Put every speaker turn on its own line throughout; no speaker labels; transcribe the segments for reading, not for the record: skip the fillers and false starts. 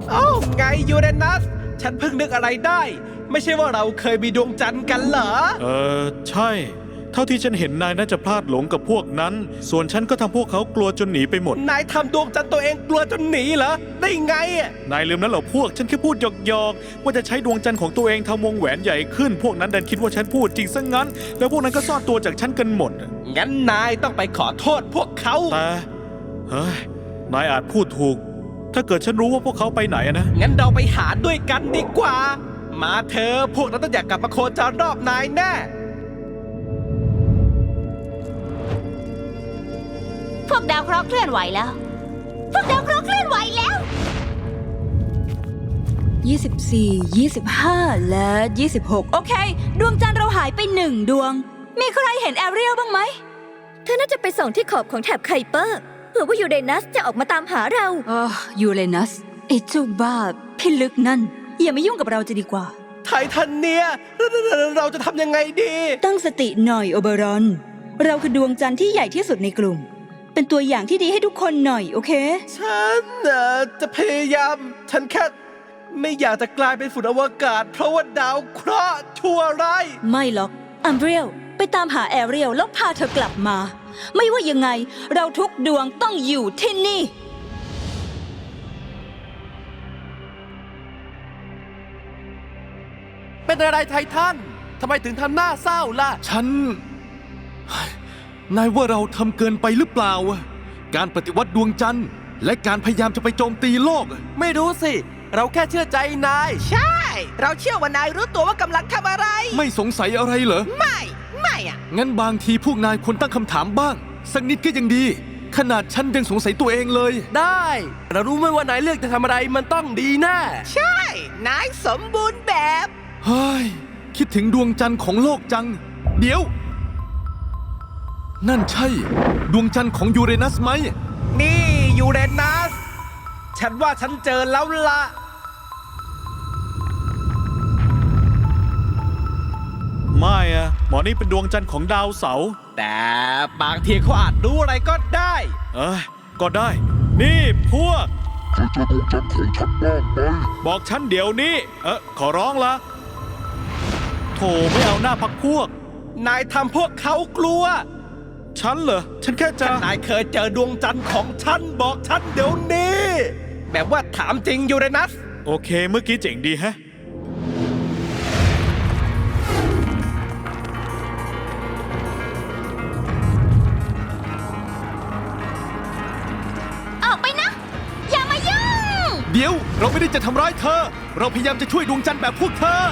อ้าวไงยูเรนัสฉันเพิ่งนึกอะไรได้ไม่ใช่ว่าเราเคยมีดวงจันทร์กันเหรอ
ใช่เท่าที่ฉันเห็นนายน่าจะพลาดหลงกับพวกนั้นส่วนฉันก็ทำพวกเขากลัวจนหนีไปหมด
นายทำดวงจันทร์ตัวเองกลัวจนหนีเหรอได้ไงอ่ะ
นายลืมนั้นเหรอพวกฉันแค่พูดหยอกๆว่าจะใช้ดวงจันทร์ของตัวเองทำวงแหวนใหญ่ขึ้นพวกนั้นดันคิดว่าฉันพูดจริงซะงั้นแล้วพวกนั้นก็ซ่อนตัวจากฉันกันหมด
งั้นนายต้องไปขอโทษพวกเขา
แต่เฮ้ยนายอาจพูดถูกถ้าเกิดฉันรู้ว่าพวกเขาไปไหนนะ
งั้นเราไปหาด้วยกันดีกว่ามาเธอพวกนั้นต้องอยากกลับมาโคจรรอบนายแน่
พวกดาวเคราะห์เคลื่อนไหวแล้วพวกดาวเคราะห์เคลื่อนไหวแล้ว
24 25 และ 26โอเคดวงจันทร์เราหายไป1 ดวงมีใครเห็นแอเรียลบ้างไหม
เธอน่าจะไปส่องที่ขอบของแถบไคเปอร์เผื่อว่ายูเรนัสจะออกมาตามหาเรา
ยูเรนัสไอ้เจ้าบ้าพิลึกนั่นอย่ามายุ่งกับเราจะดีกว่า
ไททันเนียเราจะทำยังไงดี
ตั้งสติหน่อยโอเบรอนเราคือดวงจันทร์ที่ใหญ่ที่สุดในกลุ่มเป็นตัวอย่างที่ดีให้ทุกคนหน่อยโอเค
ฉันจะพยายามฉันแค่ไม่อยากจะกลายเป็นฝุ่นอวกาศเพราะว่าดาวเคราะห์ชั่วร้าย
ไม่หรอกอัมเบรียลไปตามหาแอเรียลแล้วพาเธอกลับมาไม่ว่ายังไงเราทุกดวงต้องอยู่ที่นี่
เป็นอะไรไททันทำไมถึงทำหน้าเศร้าล่ะ
นายว่าเราทำเกินไปหรือเปล่าการปฏิวัติดวงจันทร์และการพยายามจะไปโจมตีโลก
ไม่รู้สิเราแค่เชื่อใจนายใช่เราเชื่อว่านายรู้ตัวว่ากำลังทำอะไร
ไม่สงสัยอะไรเหรอ
ไม่อ่ะ
งั้นบางทีพวกนายควรตั้งคำถามบ้างสักนิดก็ยังดีขนาดฉันยังสงสัยตัวเองเลย
ได้เรารู้ไหมว่านายเลือกจะทำอะไรมันต้องดีแน่ใช่นายสมบูรณ์แบบ
เฮ้ยคิดถึงดวงจันทร์ของโลกจังเดี๋ยวนั่นใช่ดวงจันทร์ของยูเรนัสไหม
นี่ยูเรนัสฉันว่าฉันเจอแล้วล่ะ
ไม่หมอนี่เป็นดวงจันทร์ของดาวเสาร์
แต่บางทีเขาอาจรู้อะไรก็ได้
ก็ได้นี่พวกเธอเจอดวงจันทร์ของฉันบ้างไหมบอกฉันเดี๋ยวนี้ขอร้องละโถไม่เอาหน้าพักพวก
นายทำพวกเขากลัว
ฉันเหรอฉันแค่จะ
นายเคยเจอดวงจันทร์ของฉันบอกฉันเดี๋ยวนี้แบบว่าถามจริงยูเรนัส
โอเคเมื่อกี้เจ๋งดีฮะ
ออกไปนะอย่ามายุ่ง
เดี๋ยวเราไม่ได้จะทำร้ายเธอเราพยายามจะช่วยดวงจันทร์แบบพวกเธอ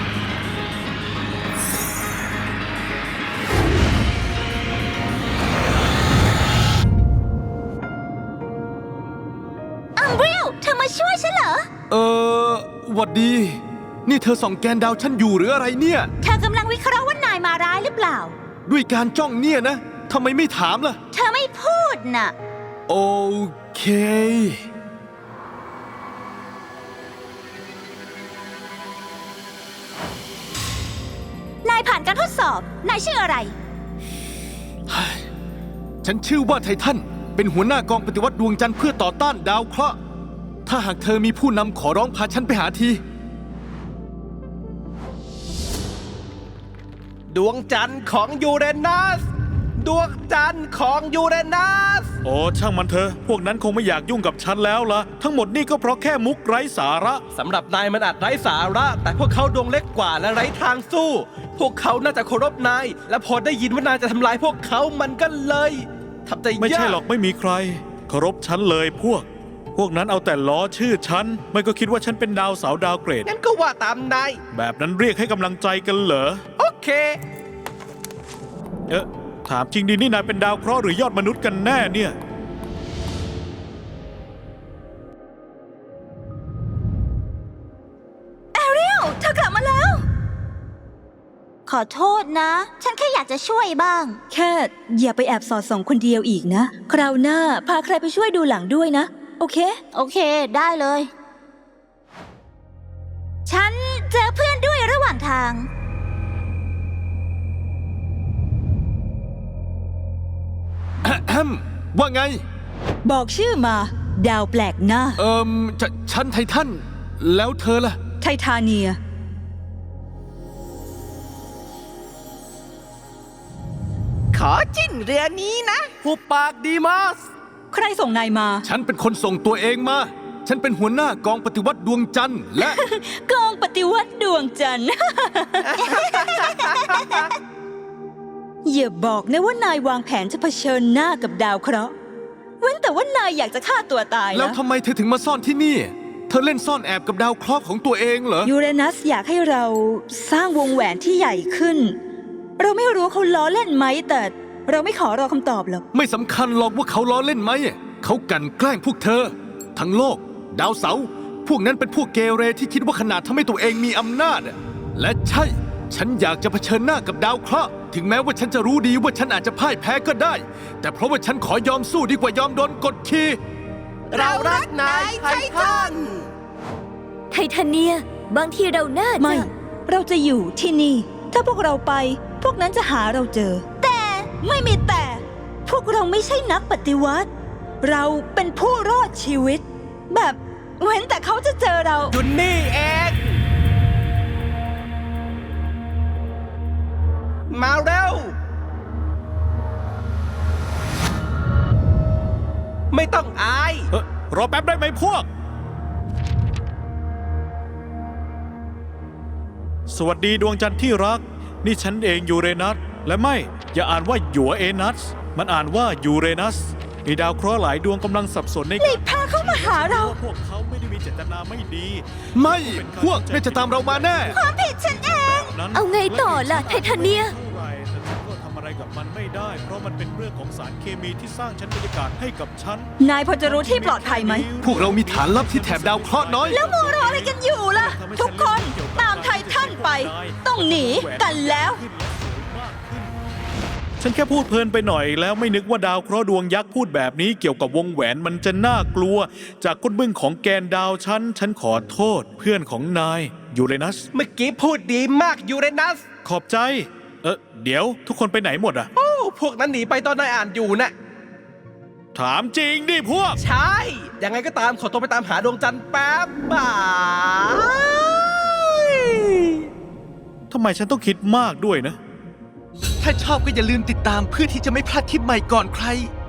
เธอมาช่วยฉันเหรอ
หวัดดีนี่เธอส่องแกนดาวฉันอยู่หรืออะไรเนี่ย
เธอกำลังวิเคราะห์ว่านายมาร้ายหรือเปล่า
ด้วยการจ้องเนี่ยนะทำไมไม่ถามล่ะ
เธอไม่พูดน่ะ
โอเคน
ายผ่านการทดสอบนายชื่ออะไร
ฉันชื่อว่าไททันเป็นหัวหน้ากองปฏิวัติดวงจันทร์เพื่อต่อต้านดาวเคราะห์ถ้าหากเธอมีผู้นำขอร้องพาฉันไปหาที
ดวงจันทร์ของยูเรนัสดวงจันทร์ของยูเรนัส
โอ้ช่างมันเถอะพวกนั้นคงไม่อยากยุ่งกับฉันแล้วล่ะทั้งหมดนี่ก็เพราะแค่มุกไร้สาระ
สำหรับนายมันอาจไร้สาระแต่พวกเขาดวงเล็กกว่าและไร้ทางสู้พวกเขาน่าจะเคารพนายและพอได้ยินว่านายจะทำลายพวกเขามันก็เลยทำใจยาก
ไม่ใช่หรอกไม่มีใครเคารพฉันเลยพวกนั้นเอาแต่ล้อชื่อฉันไม่ก็คิดว่าฉันเป็นดาวเสาดาวเกรด
งั้นก็ว่าตามนาย
แบบนั้นเรียกให้กำลังใจกันเหรอ
โอเค
ถามจริงดินี่นายเป็นดาวเคราะห์หรือยอดมนุษย์กันแน่เนี่ย
แอเรียลเธอกลับมาแล้ว
ขอโทษนะฉันแค่อยากจะช่วยบ้าง
แค่อย่าไปแอบสอดส่องคนเดียวอีกนะคราวหน้าพาใครไปช่วยดูหลังด้วยนะโอเค
ได้เลยฉันเจอเพื่อนด้วยระหว่างทาง
ว่าไง
บอกชื่อมาดาวแปลกหน้า
ฉันไททันแล้วเธอล่ะ
ไททาเนีย
ขอจิ้นเรือนี้นะหุบปากดีมัส
ใครส่งนายมา
ฉันเป็นคนส่งตัวเองมา ฉันเป็นหัวหน้ากองปฏิวัติดวงจันทร์และ
กองปฏิวัติดวงจันทร์ อย่าบอกนะว่านาย วางแผนจะเผชิญหน้ากับดาวเคราะห์เว้นแต่ว่านายอยากจะฆ่าตัวตาย
แล้ว
นะ
ทำไมเธอถึงมาซ่อนที่นี่ เธอเล่นซ่อนแอบกับดาวเคราะห์ของตัวเองเหรอ
ยูเรนัสอยากให้เราสร้างวงแหวนที่ใหญ่ขึ้น เราไม่รู้เขาล้อเล่นไหมแต่เราไม่ขอรอคำตอบหรอก
ไม่สำคัญหรอกว่าเขาล้อเล่นไหม เขากลั่นแกล้งพวกเธอ ทั้งโลก ดาวเสาร์พวกนั้นเป็นพวกเกเรที่คิดว่าขนาดทำให้ตัวเองมีอำนาจอะและใช่ ฉันอยากจะเผชิญหน้ากับดาวเคราะห์ถึงแม้ว่าฉันจะรู้ดีว่าฉันอาจจะพ่ายแพ้ก็ได้ แต่เพราะว่าฉันขอยอมสู้ดีกว่ายอมโดนกดขี่
เรารักนายไททัน
ไททาเนีย บางทีเราน่าจะ
ไม่ เราจะอยู่ที่นี่ ถ้าพวกเราไป พวกนั้นจะหาเราเจอ แต่ไม่มีแต่ พวกเราไม่ใช่นักปฏิวัติ เราเป็นผู้รอดชีวิต แบบเว้นแต่เขาจะเจอเรา
จุนนี่เองมาเร็ว ไม่ต้องอาย
รอแป๊บได้ไหมพวก สวัสดีดวงจันทร์ที่รัก นี่ฉันเองยูเรนัส และไม่ อย่าอ่านว่าหยัวเอนัส มันอ่านว่ายูเรนัส มีดาวเคราะห์หลายดวงกำลังสับสนใน
หลีกพาเข้ามาหาเรา
พวกเขาไม่ได้มีเจตนาไม่ดี
ไม่ พวกน่าจะตามเรามาแน่
ผิดฉันเอง
เอาไงต่อล่ะไททาเนีย
เท่าไหร่แต่ฉันก็ทำอะไรกับมันไม่ได้ เพราะมันเป็นเรื่องของสารเคมีที่สร้างชั้นบรรยากาศให้กับฉัน
นายพอจะรู้ที่ปลอดภัยไหม
พวกเรามีฐานลับที่แถบดาวเคราะห์น้อย
แล้วมัวรออะไรกันอยู่ล่ะ ทุกคนตามไททันไป ต้องหนีกันแล้ว
ฉันแค่พูดเพลินไปหน่อยแล้วไม่นึกว่าดาวเคราะห์ดวงยักษ์พูดแบบนี้เกี่ยวกับวงแหวนมันจะน่ากลัว จากก้นบึ้งของแกนดาวฉันขอโทษเพื่อนของนายยูเรนัส
เมื่อกี้พูดดีมากยูเรนัส
ขอบใจ เดี๋ยวทุกคนไปไหนหมดอะ
โอ้ พวกนั้นหนีไปตอนนายอ่านอยู่นะ
ถามจริงดิพวก
ใช่ ยังไงก็ตามขอตัวไปตามหาดวงจันทร์แป๊บบ่าย
ทำไมฉันต้องคิดมากด้วยนะ
ถ้าชอบก็อย่าลืมติดตามเพื่อที่จะไม่พลาดคลิปใหม่ก่อนใคร